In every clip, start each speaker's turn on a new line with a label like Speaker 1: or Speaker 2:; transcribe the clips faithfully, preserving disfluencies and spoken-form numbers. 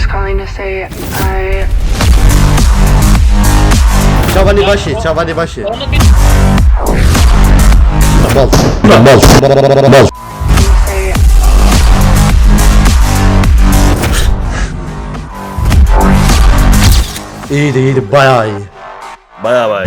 Speaker 1: just calling to say I
Speaker 2: Çavani başı, çavani başı.
Speaker 3: Onu bir
Speaker 2: Mal. Mal. Mal.
Speaker 1: say
Speaker 2: İyiydi iyiydi bayağı iyi.
Speaker 4: Bayağı bayağı.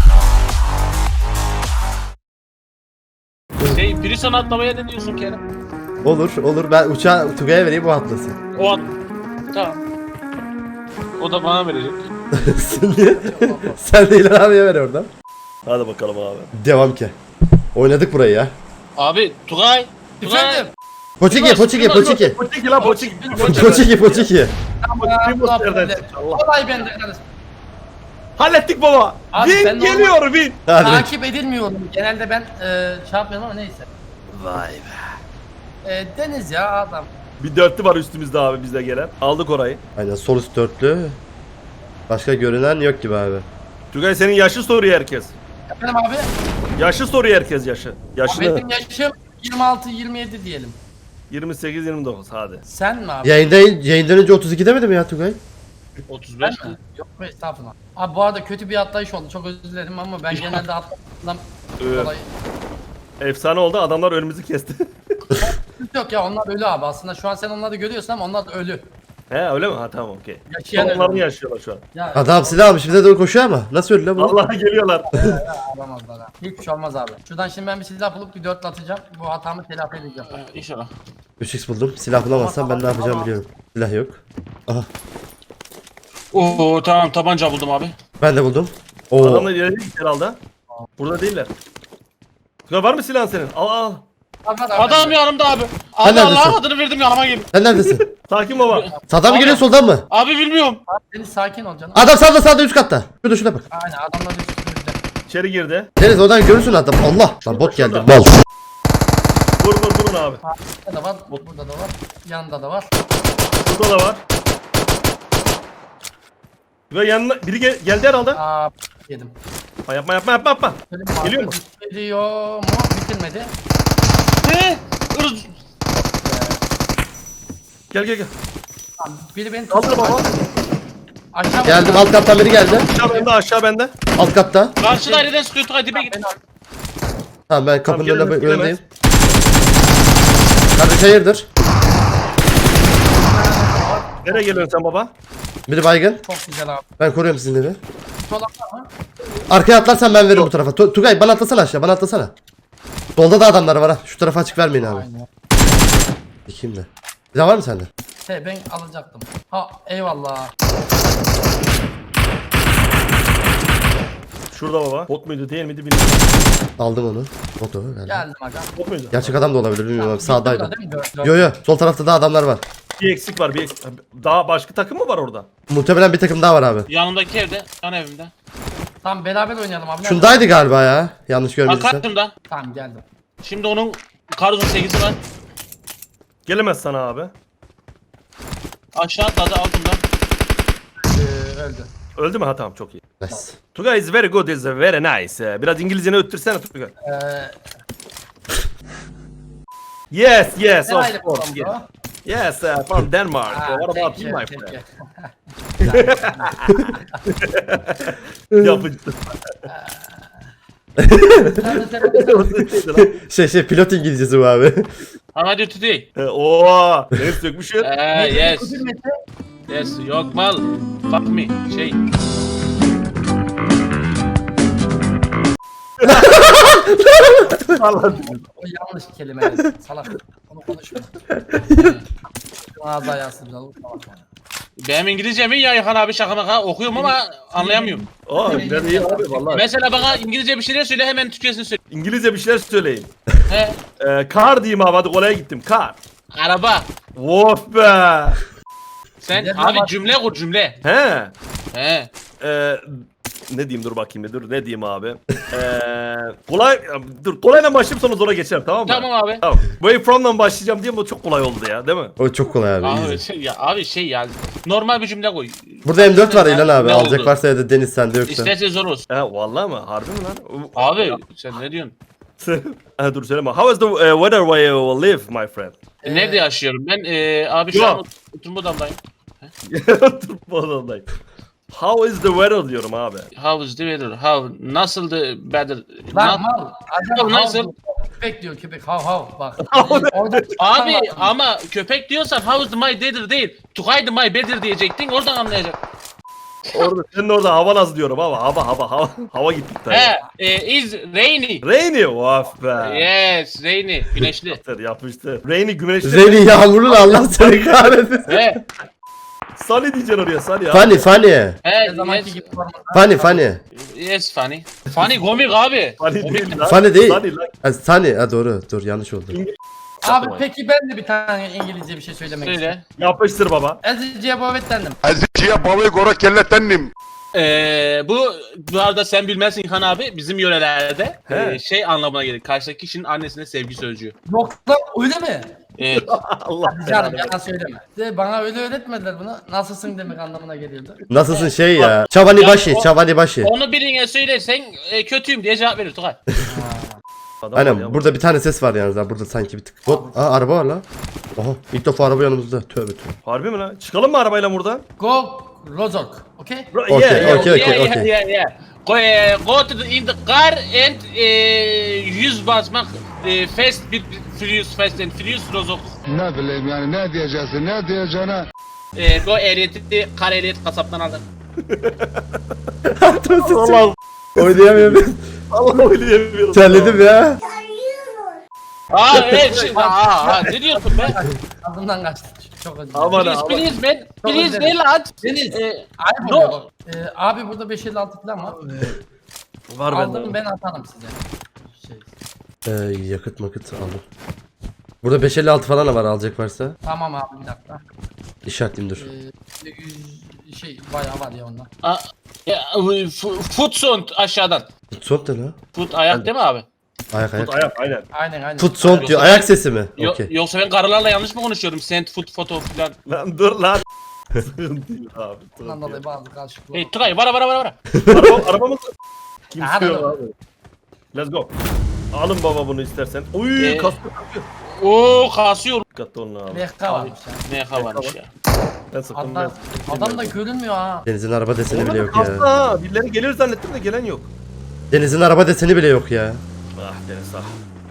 Speaker 3: şey Prison atlamaya ne diyorsun Kerem?
Speaker 2: Olur olur ben uçağı Tugay'a vereyim o atlasın.
Speaker 3: O at. Tamam. O da bana verecek.
Speaker 2: Sen niye? Sen de İlhan abiye ver oradan.
Speaker 4: Hadi bakalım abi.
Speaker 2: Devam ki. Oynadık burayı ya.
Speaker 3: Abi Tugay. Tugay.
Speaker 5: Efendim?
Speaker 2: Poçiki poçiki poçiki.
Speaker 4: Poçiki lan poçiki.
Speaker 2: Poçiki poçiki.
Speaker 4: Primos nereden çıktı? Allah.
Speaker 5: Olay bende kardeşim.
Speaker 4: Hallettik baba.
Speaker 5: Abi ben
Speaker 4: Win
Speaker 5: normal-
Speaker 4: geliyor win.
Speaker 2: Hadi.
Speaker 5: Takip edilmiyorum. Genelde ben e, şey yapmıyorum ama neyse.
Speaker 4: Vay be.
Speaker 5: E, Deniz ya adam.
Speaker 4: Bir dörtlü var üstümüzde abi bizde gelen. Aldık orayı.
Speaker 2: Aynen sol üst dörtlü. Başka görünen yok gibi abi.
Speaker 4: Tugay senin yaşı soruyor herkes.
Speaker 5: Efendim abi?
Speaker 4: Yaşı soruyor herkes yaşı. Yaşını.
Speaker 5: Benim yaşım yirmi altı yirmi yedi diyelim.
Speaker 4: yirmi sekiz yirmi dokuz hadi.
Speaker 5: Sen mi abi?
Speaker 2: Yayında, yayından önce otuz iki demedim ya Tugay.
Speaker 3: otuz
Speaker 5: Ben
Speaker 3: beş mi?
Speaker 5: mi? Yok be estağfurullah. Abi bu arada kötü bir atlayış oldu. Çok özür dilerim ama ben genelde atladığımdan
Speaker 4: Evet.
Speaker 5: dolayı.
Speaker 4: Efsane oldu adamlar önümüzü kesti.
Speaker 5: Yok ya onlar ölü abi. Aslında şu an sen onları görüyorsun ama onlar ölü.
Speaker 4: He öyle mi? Ha tamam okey.
Speaker 5: Yaşayan
Speaker 4: Onlarını
Speaker 5: ölü.
Speaker 4: yaşıyorlar şu an.
Speaker 5: Ya,
Speaker 2: Adam silah almış bize doğru koşuyor ama. Nasıl öldü lan bu?
Speaker 4: Vallahi geliyorlar.
Speaker 5: alamazlar ha. Hiçbir şey olmaz abi. Şuradan şimdi ben bir silah bulup bir dörtle atacağım. Bu hatamı telafi edeceğim.
Speaker 3: Ee, İnşallah.
Speaker 2: üç x buldum. Silah bulamazsam ben ne yapacağım biliyorum. Silah yok. Aha.
Speaker 3: Oo tamam tabanca buldum abi.
Speaker 2: Ben de buldum. Oo.
Speaker 4: Adamlar ileri gitti herhalde. Burada değiller. Tugay var mı silahın senin? Al al.
Speaker 5: Abi, abi,
Speaker 3: Adam yanımda abi. Abi
Speaker 2: neredesin?
Speaker 3: Allah'ın adını verdim yanıma gelin.
Speaker 2: Sen neredesin?
Speaker 4: Sakin baba.
Speaker 2: Sağdan mı
Speaker 3: Abi.
Speaker 2: geliyor soldan mı?
Speaker 3: Abi bilmiyorum.
Speaker 5: Abi, Deniz sakin ol canım.
Speaker 2: Adam sağda sağda üst katta. Şurada şuna bak.
Speaker 5: Aynen adamlar üstümüzde.
Speaker 4: İçeri girdi.
Speaker 2: Deniz oradan görürsün adam. Allah. Lan bot geldi.
Speaker 4: şurada.
Speaker 2: Mal.
Speaker 4: Vur vur vurun abi.
Speaker 5: Burada da var, burada da var, yanında da var.
Speaker 4: Burada da var. Ve yanına biri gel- geldi herhalde.
Speaker 5: Aa yedim.
Speaker 4: Ha, yapma yapma yapma yapma.
Speaker 5: Benim
Speaker 4: Geliyor mu?
Speaker 5: Geliyor mu? Bitirmedi.
Speaker 3: Ne? Irz.
Speaker 4: Gel gel gel.
Speaker 5: Tamam, biri beni
Speaker 4: Kaldır
Speaker 5: tutuyor.
Speaker 4: baba.
Speaker 5: Aşağı
Speaker 2: Geldim alt kattan biri geldi.
Speaker 4: Aşağı bende aşağı bende.
Speaker 2: Alt katta.
Speaker 3: Karşı daireden sıkıyor Tugay dibe git.
Speaker 2: Tamam ben kapının
Speaker 4: Tamam,
Speaker 2: önüne
Speaker 4: gelemez,
Speaker 2: önündeyim. Kardeş hayırdır?
Speaker 4: Nereye geliyorsun sen baba?
Speaker 2: Biri baygın.
Speaker 5: Çok güzel abi.
Speaker 2: Ben koruyorum sizinleri.
Speaker 5: Sol var mı?
Speaker 2: Arkaya atlarsan ben veririm bu tarafa. Tu- Tugay bana atlasana aşağı bana atlasana. Solda da adamlar var ha. Şu tarafa açık vermeyin abi.
Speaker 5: Aynen.
Speaker 2: Dikeyim de. Bir daha var mı sende?
Speaker 5: He ben alacaktım. Ha eyvallah.
Speaker 4: Şurada baba. Bot muydu değil miydi bilmiyorum.
Speaker 2: Aldım onu. Motoru galiba.
Speaker 5: Geldim aga.
Speaker 4: Bot muydu?
Speaker 2: Gerçek adam da olabilir bilmiyorum abi. Sağdaydı.
Speaker 5: Burada değil mi? Dört, dört.
Speaker 2: Yo yo sol tarafta da adamlar var.
Speaker 4: Bir eksik var bir eksik. Daha başka takım mı var orada?
Speaker 2: Muhtemelen bir takım daha var abi.
Speaker 3: Yanımdaki evde, yan evimde.
Speaker 5: Tamam beraber oynayalım abi. Nerede?
Speaker 2: Şundaydı galiba ya. Yanlış görmediysen.
Speaker 3: Arkasında.
Speaker 5: Tamam geldim.
Speaker 3: Şimdi onun Karuz'un sekizi var.
Speaker 4: Gelemez sana abi.
Speaker 3: Aşağı atladı altında.
Speaker 5: Ee, öldü.
Speaker 4: Öldü mü? Ha tamam çok iyi.
Speaker 2: Nice.
Speaker 4: Tugay is very good is very nice. Ee, Biraz İngilizceni öttürsene Tugay.
Speaker 5: Ee,
Speaker 4: Yes yes
Speaker 5: ne
Speaker 4: of
Speaker 5: aile
Speaker 4: course.
Speaker 5: programı
Speaker 4: Yes,
Speaker 5: bu?
Speaker 4: yes uh, from Denmark.
Speaker 5: Ha,
Speaker 4: Uh, what about
Speaker 5: peki,
Speaker 4: you my
Speaker 5: peki.
Speaker 4: friend? Yapıcı.
Speaker 5: Sen de sen-
Speaker 2: Şey şey pilot İngilizcesi bu abi.
Speaker 3: How do you today?
Speaker 4: Ee, Oo, ne sökmüşsün?
Speaker 3: Eee yes.
Speaker 5: Kudur Mete.
Speaker 3: Yes. Yok mal. Fuck me. Şey.
Speaker 4: Allah.
Speaker 5: O yanlış kelime. Salak. Onu konuşma. Ağzı ayağı sırrı. Salak yani.
Speaker 3: Benim İngilizcem iyi ya Yakan abi şaka maka okuyorum ama anlayamıyorum.
Speaker 4: Aa, yine de iyi abi vallahi.
Speaker 3: Mesela bana İngilizce bir şeyler söyle hemen Türkçesini söyle.
Speaker 4: İngilizce bir şeyler söyleyin.
Speaker 3: He.
Speaker 4: Ee, kar diyeyim abi hadi kolaya gittim. Kar.
Speaker 3: Araba.
Speaker 4: Of be.
Speaker 3: Sen
Speaker 5: Ne
Speaker 3: abi
Speaker 5: zaman-
Speaker 3: cümle kur cümle.
Speaker 4: He.
Speaker 3: He.
Speaker 4: Ee, ne diyeyim dur bakayım bir dur ne diyeyim abi. Ee, kolay dur kolayla başlayayım sonra zora geçerim tamam mı?
Speaker 3: Tamam abi.
Speaker 4: Tamam. Way from'dan başlayacağım diye bu çok kolay oldu ya değil mi?
Speaker 2: O çok kolay abi.
Speaker 3: Abi
Speaker 2: easy.
Speaker 3: şey ya abi şey ya normal bir cümle koy.
Speaker 2: Burada M dört var İlhan abi.
Speaker 3: Ne
Speaker 2: Alacak
Speaker 3: oldu?
Speaker 2: varsa ya da Deniz sende yoksa.
Speaker 3: İsterse zor olsun.
Speaker 4: He vallahi mı? Harbi mi lan?
Speaker 3: Abi sen ne diyorsun?
Speaker 4: ha, dur söyleme. How is the uh, weather where you live my friend?
Speaker 3: Nerede yaşıyorum? Ben e, abi şu an
Speaker 4: Yok.
Speaker 3: oturma odamdayım.
Speaker 4: Dur bu adamdayım. How is the weather diyorum abi.
Speaker 3: How is the weather? How? Nasıl the weather?
Speaker 5: Lan
Speaker 3: Na-
Speaker 5: mal. Acaba
Speaker 3: Nasıl?
Speaker 5: hav- Köpek diyor köpek hav hav bak.
Speaker 4: Hav ne?
Speaker 5: Orada
Speaker 3: Abi
Speaker 5: Bak.
Speaker 3: ama köpek diyorsan how is my weather değil. Tugay the my weather diyecektin oradan anlayacak.
Speaker 4: Orada senin orada hava naz diyorum ama hava hava hava hava gittik tabii.
Speaker 3: He, e, is rainy.
Speaker 4: Rainy of be.
Speaker 3: Yes, rainy. Güneşli.
Speaker 4: Yapıştır yapıştır. Rainy güneşli.
Speaker 2: Reni yağmurlu da Allah seni kahretsin.
Speaker 3: He,
Speaker 4: Sunny diyeceksin oraya Sunny ya.
Speaker 2: Funny funny.
Speaker 3: he,
Speaker 5: Her zamanki
Speaker 3: yes,
Speaker 5: gibi forma.
Speaker 2: Funny funny.
Speaker 3: yes funny. Funny komik abi.
Speaker 4: Sunny
Speaker 3: Komik.
Speaker 4: değil lan.
Speaker 2: Funny değil.
Speaker 4: Sunny lan.
Speaker 2: Ha, funny. Ha doğru. Dur yanlış oldu.
Speaker 5: Abi peki ben de bir tane İngilizce bir şey söylemek istiyorum.
Speaker 3: Söyle.
Speaker 4: Yapıştır baba.
Speaker 5: Eziciye bovetlendim.
Speaker 6: Eziciye babayı gora kellettendim.
Speaker 3: Ee, bu bu arada sen bilmezsin İlhan abi bizim yörelerde
Speaker 4: He.
Speaker 3: e, şey anlamına gelir. Karşıdaki kişinin annesine sevgi sözcüğü.
Speaker 5: Yoksa öyle mi?
Speaker 3: Evet.
Speaker 4: Allah
Speaker 5: Canım
Speaker 4: belanı.
Speaker 5: yalan söyleme. De, bana öyle öğretmediler bunu. Nasılsın demek anlamına geliyordu.
Speaker 2: Nasılsın şey ya? Çavani başı, çavani başı.
Speaker 3: Onu birine söylersen e, kötüyüm diye cevap verir Tugay.
Speaker 4: Adam var
Speaker 2: Aynen
Speaker 4: ya.
Speaker 2: burada bir tane ses var yalnız ha. Burada sanki bir tık. Hop. Aa araba var lan. Oha ilk defa araba yanımızda. Tövbe tövbe.
Speaker 4: Harbi mi lan? Çıkalım mı arabayla buradan?
Speaker 5: Go Rozok. Okay?
Speaker 4: Bro,
Speaker 2: Okey,
Speaker 4: yeah, yeah.
Speaker 2: okey.
Speaker 3: yeah, yeah,
Speaker 2: okey.
Speaker 3: yeah, yeah. Go, e, go to the, in the car and e, yüz basmak e, fast bir furious fast and furious rozok.
Speaker 6: Ne bileyim yani ne diyeceksin ne diyeceğine.
Speaker 3: E, go ehliyeti kar ehliyet kasaptan alır.
Speaker 4: Allah
Speaker 2: Oynayamıyorum.
Speaker 4: Allah oynayamıyorum.
Speaker 2: Terledim ya.
Speaker 3: Aa evet şimdi aa, aa ne diyorsun be?
Speaker 5: Adımdan kaçtı. Çok özür
Speaker 4: Aman
Speaker 5: dilerim.
Speaker 3: Please
Speaker 4: aman.
Speaker 3: please man.
Speaker 5: Çok
Speaker 3: Please
Speaker 5: özür
Speaker 3: ne lan?
Speaker 5: Deniz.
Speaker 3: E,
Speaker 5: Ayıp
Speaker 3: no.
Speaker 5: oluyor bak. Ee, abi burada beş elli altı falan var.
Speaker 4: Var
Speaker 5: Aldım
Speaker 4: bende.
Speaker 5: ben atarım size. Şey.
Speaker 2: Ee, yakıt makıt aldım. Burada beş elli altı falan da var alacak varsa.
Speaker 5: Tamam abi bir dakika.
Speaker 2: İşaretleyeyim dur.
Speaker 5: Ee, yüz şey bayağı var ya ondan.
Speaker 3: Aa, ya, f- foot sound aşağıdan.
Speaker 2: Foot ne lan?
Speaker 3: Foot ayak değil mi abi?
Speaker 2: Ayak ayak.
Speaker 4: Tut ayak aynen.
Speaker 5: Aynen aynen.
Speaker 2: Foot sound diyor. Ayak sesi mi?
Speaker 3: Yo,
Speaker 2: Okey.
Speaker 3: Yoksa ben karılarla yanlış mı konuşuyorum? Send foot foto falan.
Speaker 4: Lan dur lan. Sıkıntı değil abi.
Speaker 5: Bundan dolayı bazı karışıklık.
Speaker 3: Hey Tugay vara vara vara vara.
Speaker 4: Araba, arabamız kim
Speaker 5: Aha,
Speaker 4: sürüyor
Speaker 5: dur.
Speaker 4: abi? Let's go. Alın baba bunu istersen. Uy
Speaker 3: Ee,
Speaker 4: kaskı takıyor.
Speaker 3: Oo kasıyor.
Speaker 4: Dikkatli olun abi.
Speaker 5: L K varmış ya.
Speaker 3: Ne havamış ya.
Speaker 4: Ben sıktım
Speaker 5: Adam,
Speaker 4: ben.
Speaker 5: adam da görünmüyor ha.
Speaker 2: Deniz'in araba deseni bile
Speaker 4: Oğlum
Speaker 2: yok
Speaker 4: kastı
Speaker 2: ya.
Speaker 4: ha. Birileri gelir zannettim de gelen yok.
Speaker 2: Deniz'in araba deseni bile yok ya.
Speaker 4: Ah Deniz ah.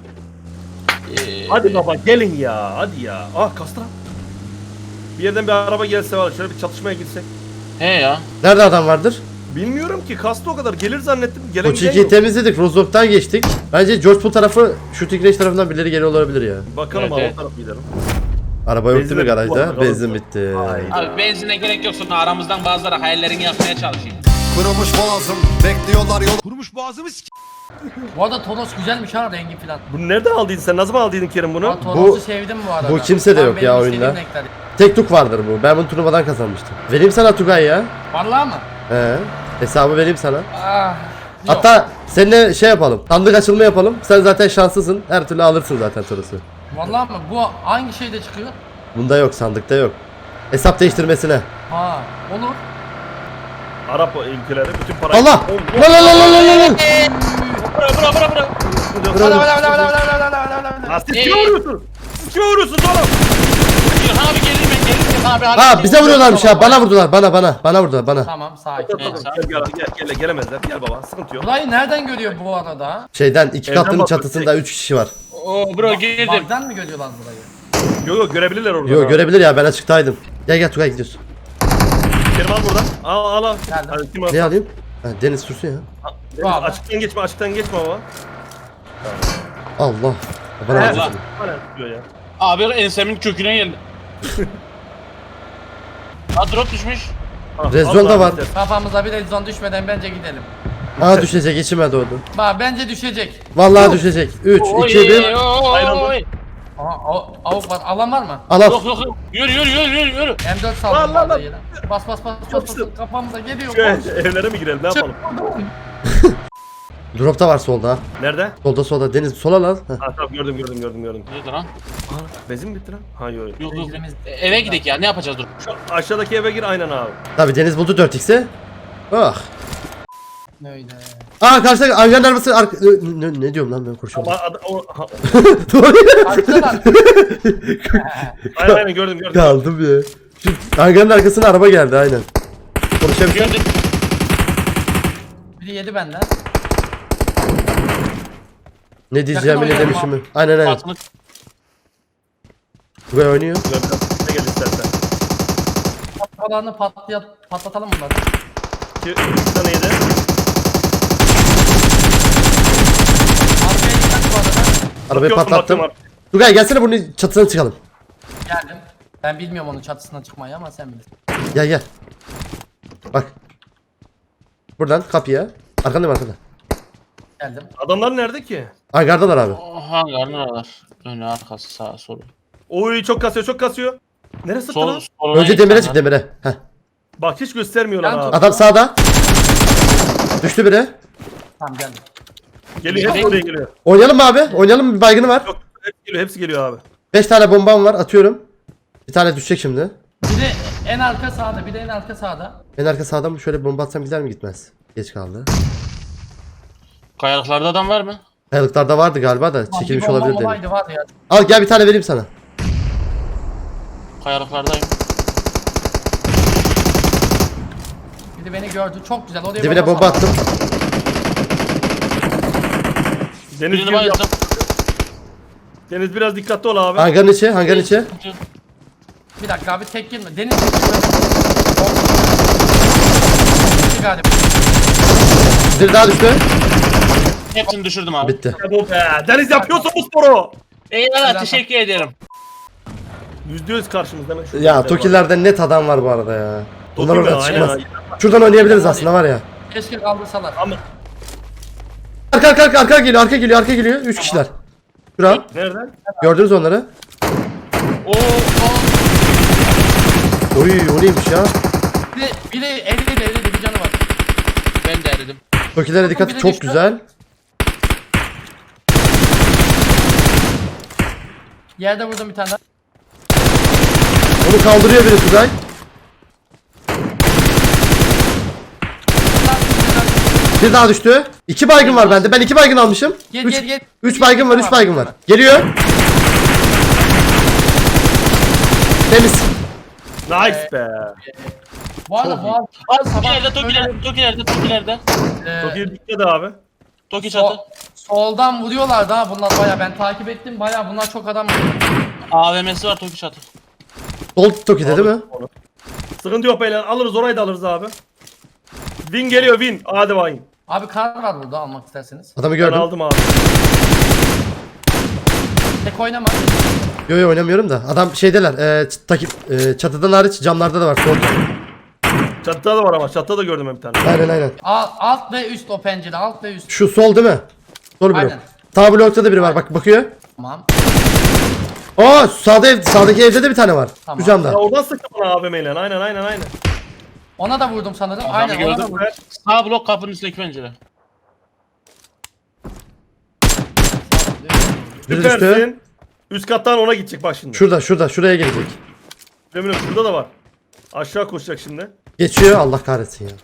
Speaker 3: Ee,
Speaker 4: Hadi baba gelin ya. Hadi ya. Ah kastı lan. Bir yerden bir araba gelse var. Şöyle bir çatışmaya girsek.
Speaker 3: He ya.
Speaker 2: Nerede adam vardır?
Speaker 4: Bilmiyorum ki kastı o kadar. Gelir zannettim. Gelen
Speaker 2: O
Speaker 4: giden
Speaker 2: çiğkiyi
Speaker 4: yok.
Speaker 2: temizledik. Rozok'tan geçtik. Bence George Pool tarafı Shooting Range tarafından birileri geliyor olabilir ya.
Speaker 4: Bakalım
Speaker 3: Evet,
Speaker 4: abi
Speaker 3: evet.
Speaker 4: o tarafa gidelim.
Speaker 2: Araba yok değil
Speaker 4: Benzin
Speaker 2: mi
Speaker 4: bitti bu
Speaker 2: garajda?
Speaker 4: arada.
Speaker 2: Benzin bitti.
Speaker 4: Hayda.
Speaker 3: Abi benzine gerek yok sonra aramızdan bazıları hayallerini yapmaya çalışıyor.
Speaker 7: Kurumuş boğazım bekliyorlar yol.
Speaker 6: Kurumuş boğazımı s***.
Speaker 5: Bu arada Toros güzelmiş ha rengi filan.
Speaker 4: Bunu nereden aldıydın sen? Nasıl aldıydın Kerim bunu?
Speaker 5: Ben Toros'u sevdim bu arada.
Speaker 2: bu kimse de
Speaker 5: Tam
Speaker 2: yok
Speaker 5: benim
Speaker 2: ya
Speaker 5: istediğim
Speaker 2: oyunda.
Speaker 5: renkler.
Speaker 2: Tek tuk vardır bu. Ben bunu turnuvadan kazanmıştım. Vereyim sana Tugay ya.
Speaker 5: Vallahi mı?
Speaker 2: He. Hesabı vereyim sana.
Speaker 5: Ah. Yok.
Speaker 2: Hatta seninle şey yapalım. Sandık açılma yapalım. Sen zaten şanslısın. Her türlü alırsın zaten Toros'u.
Speaker 5: Vallahi mı? Bu hangi şeyde çıkıyor?
Speaker 2: Bunda yok, sandıkta yok. Hesap değiştirmesine.
Speaker 5: Ha, olur.
Speaker 4: Arap ülkeleri bütün parayı...
Speaker 2: Allah!
Speaker 4: Oh,
Speaker 2: Lan lan lan lan lan lan!
Speaker 3: Bura bura bura bura.
Speaker 5: Valla valla valla valla valla valla valla.
Speaker 4: Lan siz kime vuruyorsunuz? Siz kime vuruyorsunuz oğlum?
Speaker 3: İlhan abi geleyim ben geleyim abi. hadi.
Speaker 2: Aa bize vuruyorlarmış ya. Bana vurdular. Bana bana. Bana vurdular bana.
Speaker 5: Tamam sakin.
Speaker 3: Evet, sağ ol.
Speaker 4: Gel gel gel gel gelemezler. Gel baba sıkıntı yok.
Speaker 5: Burayı nereden görüyor bu arada?
Speaker 2: Şeyden iki
Speaker 4: Evden
Speaker 2: katlının
Speaker 4: bakıyor,
Speaker 2: çatısında üç kişi var.
Speaker 3: Oo bro girdim.
Speaker 5: Bagdan mı görüyorlar burayı?
Speaker 4: Yok yok görebilirler orada.
Speaker 2: Yo görebilir ya, ben açıktaydım. Gel gel Tugay gidiyoruz.
Speaker 4: Kerim al buradan. Al al al.
Speaker 5: Geldim.
Speaker 4: Hadi kim al?
Speaker 2: Ne alayım? Ha, Deniz sürsün ya.
Speaker 4: Deniz,
Speaker 5: Abi.
Speaker 4: açıktan geçme açıktan geçme baba.
Speaker 2: Allah. Bana
Speaker 3: Allah.
Speaker 2: vuracak.
Speaker 4: Bana tutuyor ya.
Speaker 3: Abi ensemin köküne geldi. Ha drop düşmüş.
Speaker 4: Ah,
Speaker 2: Rezon
Speaker 4: Allah
Speaker 2: da var.
Speaker 4: istersen.
Speaker 5: Kafamıza bir rezon düşmeden bence gidelim.
Speaker 2: Aa düşecek, içime doğdu.
Speaker 5: Bak bence düşecek.
Speaker 2: Vallahi düşecek. üç, iki, bir.
Speaker 3: Oy.
Speaker 5: Aha av- avuk var. Alan var mı?
Speaker 2: Al al.
Speaker 3: Yok yok yok. Yürü yürü yürü yürü yürü.
Speaker 5: M dört
Speaker 4: Lan,
Speaker 5: saldım
Speaker 4: lan,
Speaker 5: vardı
Speaker 4: lan.
Speaker 5: yine. Bas bas bas bas bas.
Speaker 4: Yapıştır.
Speaker 5: Kafamıza geliyor.
Speaker 4: Şu
Speaker 5: Koş.
Speaker 4: evlere mi girelim ne yapalım?
Speaker 2: Drop da var solda. ha.
Speaker 4: Nerede?
Speaker 2: Solda solda. Deniz sola lan. Heh.
Speaker 4: Ha tamam gördüm gördüm gördüm gördüm.
Speaker 3: Nerede lan?
Speaker 4: Aa, benzin mi bitti lan? Ha yok. yok.
Speaker 3: Yok yok.
Speaker 5: Benzinimiz-
Speaker 3: E, Eve gidelim ya ne yapacağız dur.
Speaker 4: Şu aşağıdaki eve gir aynen abi.
Speaker 2: Tabii Deniz buldu dört x'i. Ah.
Speaker 5: Öyle.
Speaker 2: Aa karşıda Aygan'ın arabası arka... Ne, ne, ne diyorum lan ben konuşuyorum.
Speaker 4: Ama ad- o, ha,
Speaker 2: Doğru.
Speaker 5: Arkadan.
Speaker 4: aynen aynen gördüm gördüm.
Speaker 2: Kaldım ya. Şu hangarın arkasına araba geldi aynen. Konuşabiliyor
Speaker 3: Gördüm.
Speaker 5: Biri yedi benden.
Speaker 2: Ne diyeceğimi ne
Speaker 5: Yakın
Speaker 2: demişimi. Aynen aynen.
Speaker 3: Patını
Speaker 2: Tugay oynuyor.
Speaker 4: Ne gel istersen.
Speaker 5: Kafalarını patlayat, patlatalım bunları.
Speaker 4: İki, üç tane yedi.
Speaker 5: Arkaya gitmek bu arada.
Speaker 2: Arabayı
Speaker 4: Bakıyorum,
Speaker 2: patlattım.
Speaker 4: bakıyorum
Speaker 2: Tugay gelsene bunun çatısına çıkalım.
Speaker 5: Geldim. Ben bilmiyorum onun çatısına çıkmayı ama sen bilirsin.
Speaker 2: Gel gel. Bak. Buradan kapıya. Arkandayım arkada.
Speaker 5: Geldim.
Speaker 4: Adamlar nerede ki?
Speaker 2: Hangardalar abi.
Speaker 3: hangarın oralar. Önü arkası sağa solu.
Speaker 4: Oy çok kasıyor çok kasıyor. Neresi
Speaker 3: Sol,
Speaker 4: lan?
Speaker 3: soluna
Speaker 2: Önce
Speaker 3: git
Speaker 2: demire
Speaker 3: hangar.
Speaker 2: çık demire. Heh.
Speaker 4: Bak hiç göstermiyorlar
Speaker 5: Ben
Speaker 4: abi.
Speaker 2: Adam sağda. Düştü biri.
Speaker 5: Tamam geldim.
Speaker 4: Geliyor hepsi oraya geliyor.
Speaker 2: Oynayalım mı abi? Oynayalım mı? Bir baygını var.
Speaker 4: Yok hepsi geliyor hepsi geliyor abi.
Speaker 2: beş tane bombam var atıyorum. Bir tane düşecek şimdi.
Speaker 5: Biri en arka sağda, bir de en arka sağda.
Speaker 2: En arka sağdan mı şöyle bomba atsam gider mi gitmez? Geç kaldı.
Speaker 3: Kayalıklarda adam var mı?
Speaker 2: Kayalıklarda vardı galiba da
Speaker 5: Lan
Speaker 2: çekilmiş
Speaker 5: bir bomba
Speaker 2: olabilir dedim.
Speaker 5: olaydı var ya.
Speaker 2: Al gel bir tane vereyim sana.
Speaker 3: Kayalıklardayım.
Speaker 5: Biri beni gördü. Çok güzel. Oraya
Speaker 2: Dibine bomba
Speaker 5: salladı.
Speaker 2: attım.
Speaker 4: Deniz,
Speaker 3: Birini
Speaker 4: geliyor.
Speaker 3: bayıldım.
Speaker 4: Deniz biraz dikkatli ol abi.
Speaker 2: Hangarın içi, hangarın içi.
Speaker 5: Bir dakika abi tek girme. Deniz tek girme. Bitti galiba.
Speaker 2: Bir daha düştü.
Speaker 3: Hepsini düşürdüm abi.
Speaker 2: Bitti.
Speaker 4: Ya bu be. Deniz yapıyorsa bu sporu.
Speaker 3: Eyvallah teşekkür ederim.
Speaker 4: Yüzde yüz karşımızda hemen şu.
Speaker 2: Ya Tokiller'de net adam var bu arada ya. Bunlar
Speaker 4: Toki mi?
Speaker 2: orada
Speaker 4: Aynen,
Speaker 2: çıkmaz.
Speaker 4: aynen.
Speaker 2: Şuradan oynayabiliriz aslında var ya.
Speaker 5: Keşke kaldırsalar.
Speaker 4: Ama
Speaker 2: Arka arka arka arka geliyor arka geliyor arka geliyor. Üç kişiler. Şura.
Speaker 4: nereden?
Speaker 2: Gördünüz onları.
Speaker 3: Oo, oo.
Speaker 2: Oy o neymiş ya.
Speaker 5: Biri, biri elli de elli de bir canı var.
Speaker 3: Ben de eridim.
Speaker 2: Tokilere dikkat
Speaker 5: biri
Speaker 2: çok
Speaker 5: düştü.
Speaker 2: güzel.
Speaker 5: Yerde vurdum bir tane daha.
Speaker 2: Onu kaldırıyor biri Tugay. Bir daha düştü. İki baygın var bende. Ben iki baygın almışım.
Speaker 5: Gel,
Speaker 2: Üç,
Speaker 5: gel, gel.
Speaker 2: üç baygın var, üç baygın var. Geliyor. Temiz.
Speaker 4: Nice be.
Speaker 5: Bu arada bu arada
Speaker 3: Abi
Speaker 5: sabah
Speaker 3: Tokilerde, Tokilerde, Tokilerde, Tokilerde.
Speaker 5: e,
Speaker 4: Çok iyi dikkat abi.
Speaker 3: Toki çatı.
Speaker 5: sol- soldan vuruyorlar daha bunlar baya ben takip ettim baya bunlar çok adam vuruyor.
Speaker 3: A V M'si var Toki çatı.
Speaker 2: Sol Toki'de değil mi?
Speaker 4: Sıkıntı yok beyler. Alırız orayı da alırız abi. Win geliyor win. Hadi bakayım.
Speaker 5: Abi kar var burada almak isterseniz.
Speaker 2: Adamı
Speaker 4: Ben
Speaker 2: gördüm.
Speaker 4: aldım abi.
Speaker 5: Tek oynama.
Speaker 2: Yo yo oynamıyorum da. Adam şeydeler. E, ç- takip, e, çatıdan hariç camlarda da var. Solda.
Speaker 4: Çatıda da var ama çatıda da gördüm bir tane.
Speaker 2: Aynen aynen.
Speaker 5: Alt, alt ve üst o pencere alt ve üst.
Speaker 2: Şu sol değil mi? Sol blok.
Speaker 5: Aynen.
Speaker 2: Sağ blokta da biri var. Bak bakıyor.
Speaker 5: Tamam.
Speaker 2: Aa sağda ev, sağdaki evde de bir tane var.
Speaker 5: Tamam.
Speaker 2: Şu camda.
Speaker 4: Ya oradan sıktı bana A V M'yle. Aynen aynen aynen.
Speaker 5: Ona da vurdum sanırım.
Speaker 3: Adamı
Speaker 5: Aynen ona da
Speaker 3: gördüm.
Speaker 5: vurdum.
Speaker 3: Sağ blok kapının üstteki pencere.
Speaker 2: Biri düştü.
Speaker 4: Süpersin. Üst kattan ona gidecek bak şimdi.
Speaker 2: Şurada şurada şuraya gelecek.
Speaker 4: Eminim şurada da var. Aşağı koşacak şimdi.
Speaker 2: Geçiyor Allah kahretsin ya.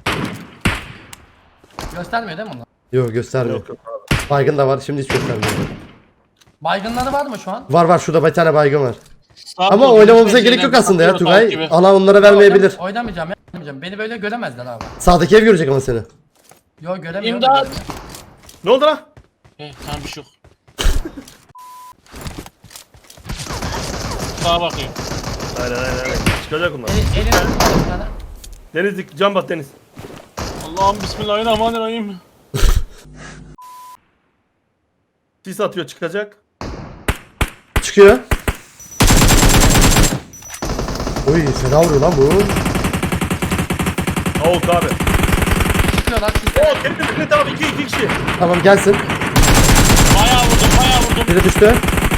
Speaker 5: Göstermiyor değil mi onlar?
Speaker 2: Yok göstermiyor.
Speaker 4: Yok yok abi.
Speaker 2: Baygın da var şimdi hiç göstermiyor.
Speaker 5: Baygınları var mı şu an?
Speaker 2: Var var şurada bir tane baygın var.
Speaker 3: Sağ
Speaker 2: Ama
Speaker 3: blok
Speaker 2: oynamamıza
Speaker 3: pencereden
Speaker 2: gerek yok aslında ya
Speaker 3: bakıyor, tavuk gibi.
Speaker 2: Tugay. Alan onlara vermeyebilir.
Speaker 5: Oynam- Oynamayacağım ya. Oynamayacağım. Beni böyle göremezler abi.
Speaker 2: Sağdaki ev görecek ama seni.
Speaker 5: Yo göremiyorum.
Speaker 3: İmdat!
Speaker 4: Ne oldu lan?
Speaker 3: He tamam bir şey yok. Sağa bakıyor.
Speaker 4: Aynen aynen aynen. Çıkacak bunlar.
Speaker 5: El, elini tutma bir tane.
Speaker 4: Deniz dik can bat Deniz.
Speaker 3: Allah'ım bismillahirrahmanirrahim.
Speaker 4: Sis atıyor çıkacak.
Speaker 2: Çıkıyor. Oy fena vuruyor lan bu.
Speaker 4: Avuk abi.
Speaker 5: Çıkıyorlar. Siz
Speaker 4: Oo Deniz Deniz abi iki iki kişi.
Speaker 2: Tamam gelsin.
Speaker 3: Bayağı vurdum, bayağı vurdum.
Speaker 2: Biri düştü.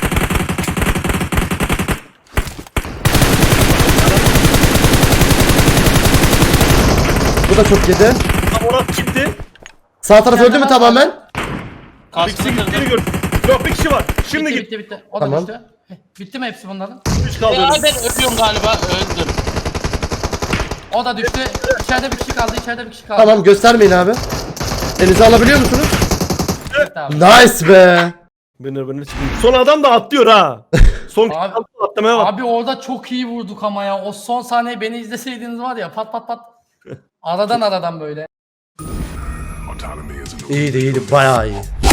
Speaker 2: Bu da çok yedi.
Speaker 4: Tam ona gitti.
Speaker 2: Sağ taraf öldü mü tamamen?
Speaker 4: Bir kişi
Speaker 3: Kaskını
Speaker 4: gittiğini
Speaker 3: kırdım.
Speaker 4: gördüm. Yok bir kişi var. Şimdi
Speaker 5: bitti,
Speaker 4: git.
Speaker 5: bitti bitti. O da
Speaker 2: Tamam.
Speaker 5: düştü. Heh, bitti mi hepsi bunların?
Speaker 4: Üç kaldı.
Speaker 3: Ya ben ölüyorum galiba, öldüm.
Speaker 5: O da düştü. İçeride bir kişi kaldı. İçeride bir kişi kaldı.
Speaker 2: Tamam göstermeyin abi. Elinizi alabiliyor musunuz?
Speaker 5: Evet abi.
Speaker 2: Nice be.
Speaker 4: Beni beni çıkıyor. Son adam da atlıyor ha. son
Speaker 5: Abi-
Speaker 4: atlamaya bak.
Speaker 5: Abi orada çok iyi vurduk ama ya. O son sahneyi beni izleseydiniz var ya pat pat pat. Aradan aradan böyle.
Speaker 2: İyiydi iyiydi bayağı iyi.